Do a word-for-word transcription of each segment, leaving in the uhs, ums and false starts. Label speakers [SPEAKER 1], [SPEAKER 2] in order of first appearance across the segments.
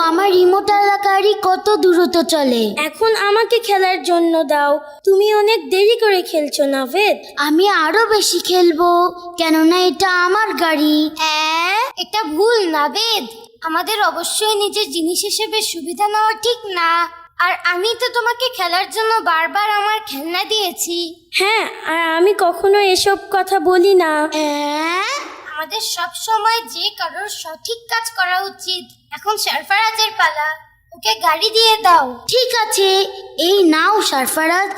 [SPEAKER 1] আমার রিমোট এলাকারই কত দ্রুত চলে।
[SPEAKER 2] এখন আমাকে খেলার জন্য দাও, তুমি অনেক দেরি করে খেলছো নাভেদ।
[SPEAKER 1] আমি আরো বেশি খেলবো, কেননা এটা আমার গাড়ি।
[SPEAKER 3] হ্যাঁ, এটা ভুল নাভেদ। আমাদের অবশ্যই নিজের জিনিস হিসেবে সুবিধা নেওয়া ঠিক না। আর আমি তো তোমাকে খেলার জন্য বারবার আমার খেলনা দিয়েছি।
[SPEAKER 2] হ্যাঁ, আর আমি কখনো এসব কথা বলি না।
[SPEAKER 1] হ্যাঁ,
[SPEAKER 3] আমাদের সব সময় যে কারোর সঠিক কাজ করা উচিত। এখন সরফরাজের পালা, ওকে গাড়ি দিয়ে দাও।
[SPEAKER 1] ঠিক আছে, এই নাও সরফরাজ।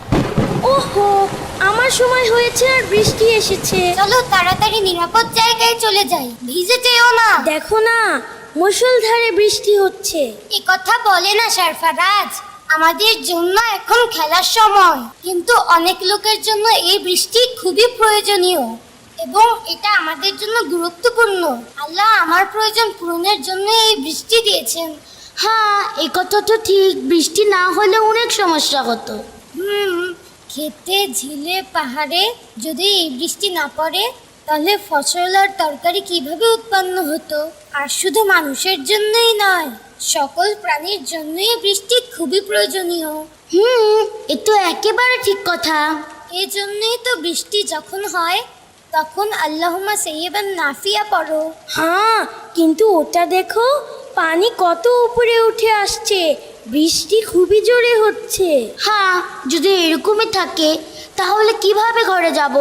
[SPEAKER 2] ওহো, আমার সময় হয়েছে আর বৃষ্টি এসেছে।
[SPEAKER 3] চলো তাড়াতাড়ি নিরাপদ জায়গায় চলে যাই, ভিজে যেও না।
[SPEAKER 2] দেখো না, মুষলধারে বৃষ্টি হচ্ছে।
[SPEAKER 3] এ কথা বলে না সরফরাজ, আমাদের জন্য এখন খেলার সময়, কিন্তু অনেক লোকের জন্য এই বৃষ্টি খুবই প্রয়োজনীয় এবং এটা আমাদের জন্য গুরুত্বপূর্ণ। আল্লাহ আমার প্রয়োজন পূরণের জন্য এই বৃষ্টি দিয়েছেন।
[SPEAKER 1] হ্যাঁ, এই কথা তো ঠিক, বৃষ্টি না হলে অনেক সমস্যা হতো।
[SPEAKER 3] হুম, খেতে, ঝিলে, পাহাড়ে যদি এই বৃষ্টি না পড়ে তাহলে ফসল আর তরকারি কিভাবে উৎপন্ন হতো? আর শুধু মানুষের জন্যই নয়, সকল প্রাণীর জন্যই বৃষ্টি খুবই প্রয়োজনীয়।
[SPEAKER 1] হুম, এ তো একেবারে ঠিক কথা।
[SPEAKER 3] এই জন্যই তো বৃষ্টি যখন হয় তখন আল্লাহুম্মা সাইয়্যিবান নাফিয়া পড়ো।
[SPEAKER 2] হ্যাঁ, কিন্তু ওটা দেখো, পানি কত উপরে উঠে আসছে, বৃষ্টি খুবই জোরে হচ্ছে।
[SPEAKER 1] হ্যাঁ, যদি এরকমই থাকে তাহলে কিভাবে ঘরে যাব?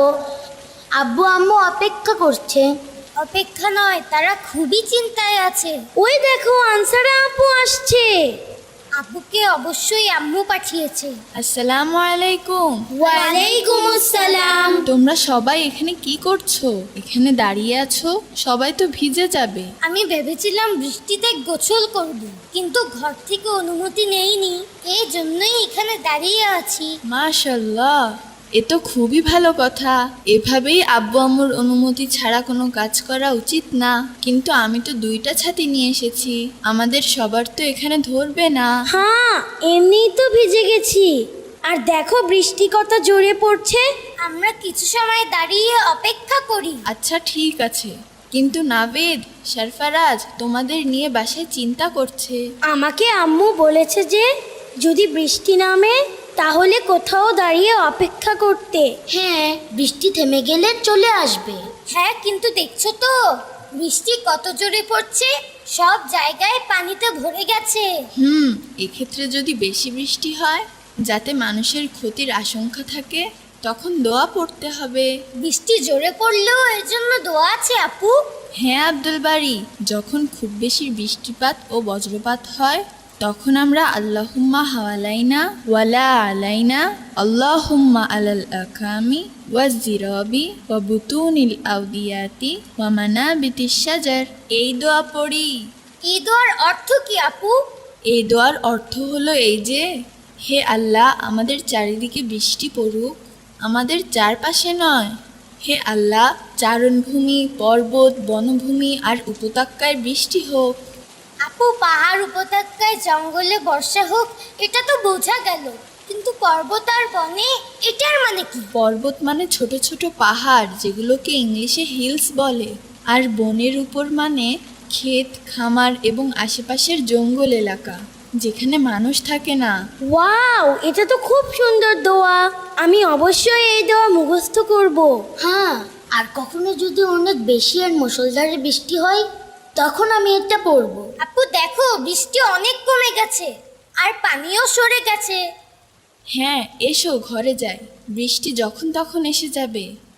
[SPEAKER 1] আব্বু আম্মু অপেক্ষা করছে।
[SPEAKER 3] অপেক্ষা নয়, তারা খুবই চিন্তায় আছে।
[SPEAKER 2] ওই দেখো, আনসারা আপু আসছে।
[SPEAKER 3] আব্বুকে অবশ্যই আম্মু পাঠিয়েছে।
[SPEAKER 4] আসসালামু আলাইকুম।
[SPEAKER 3] ওয়ালাইকুম আসসালাম।
[SPEAKER 4] তোমরা সবাই এখানে কি করছো? এখানে দাঁড়িয়ে আছো, সবাই তো ভিজে যাবে।
[SPEAKER 3] আমি ভেবেছিলাম বৃষ্টিতে গোসল করব, কিন্তু ঘর থেকে অনুমতি নেইনি, এই জন্যই এখানে দাঁড়িয়ে আছি।
[SPEAKER 4] মাশাআল্লাহ, এ তো খুবই ভালো কথা। এভাবেই আব্বু আম্মুর অনুমতি ছাড়া কোনো কাজ করা উচিত না। কিন্তু আমি তো দুইটা ছাতি নিয়ে এসেছি, আমাদের সবার তো এখানে ধরবে না।
[SPEAKER 2] হ্যাঁ, এমনিই তো ভিজে গেছি। আর দেখো বৃষ্টি কত জোরে পড়ছে।
[SPEAKER 3] আমরা কিছু সময় দাঁড়িয়ে অপেক্ষা করি।
[SPEAKER 4] আচ্ছা ঠিক আছে, কিন্তু নাভেদ, সরফরাজ তোমাদের নিয়ে বাসায় চিন্তা করছে।
[SPEAKER 2] আমাকে আম্মু বলেছে যে যদি বৃষ্টি নামে তাহলে কোথাও দাঁড়িয়ে অপেক্ষা করতে।
[SPEAKER 1] হ্যাঁ, বৃষ্টি থেমে গেলে চলে আসবে।
[SPEAKER 3] হ্যাঁ, কিন্তু দেখছো তো বৃষ্টি কত জোরে পড়ছে, সব জায়গায় পানিতে ভরে গেছে।
[SPEAKER 4] হুম, এক্ষেত্রে যদি বেশি বৃষ্টি হয়, যাতে মানুষের ক্ষতির আশঙ্কা থাকে, তখন দোয়া পড়তে হবে।
[SPEAKER 3] বৃষ্টি জোরে পড়লেও এর জন্য দোয়া আছে আপু?
[SPEAKER 4] হ্যাঁ আব্দুল বারী, যখন খুব বেশি বৃষ্টিপাত ও বজ্রপাত হয় তখন আমরা আল্লাহুম্মা হাওয়ালাইনা ওয়ালা আলাইনা আল্লাহুম্মা আলাল আকামি ওয়াজ-জিরাবি ওয়া বুতুনিল আউদিয়াতি ওয়া মানাবিতিশ শাজার, এই দোয়া পড়ি।
[SPEAKER 3] এই দোয়ার অর্থ কি আপু?
[SPEAKER 4] এই দোয়ার অর্থ হলো এই যে, হে আল্লাহ, আমাদের চারিদিকে বৃষ্টি পড়ুক, আমাদের চারপাশে নয়। হে আল্লাহ, চারণভূমি, পর্বত, বনভূমি আর উপত্যকায় বৃষ্টি হোক।
[SPEAKER 3] আপু, পাহাড়, উপত্যকায়, জঙ্গলে বর্ষা হোক, এটা তো বোঝা গেল, কিন্তু পর্বত আর বনে এটার মানে কি?
[SPEAKER 4] পর্বত মানে ছোট ছোট পাহাড়, যেগুলোকে ইংলিশে হিলস বলে। আর বনের উপর মানে ক্ষেত, খামার এবং আশেপাশের জঙ্গল এলাকা, যেখানে মানুষ থাকে না।
[SPEAKER 2] ওয়াও, এটা তো খুব সুন্দর দোয়া। আমি অবশ্যই এই দোয়া মুখস্থ করব।
[SPEAKER 1] হ্যাঁ, আর কখনো যদি অনেক বেশি আর মুষলধারে বৃষ্টি হয় তখন আমি এটা পড়বো।
[SPEAKER 3] আপু দেখো, বৃষ্টি অনেক কমে গেছে আর পানিও সরে গেছে।
[SPEAKER 4] হ্যাঁ, এসো ঘরে যাই, বৃষ্টি যখন তখন এসে যাবে।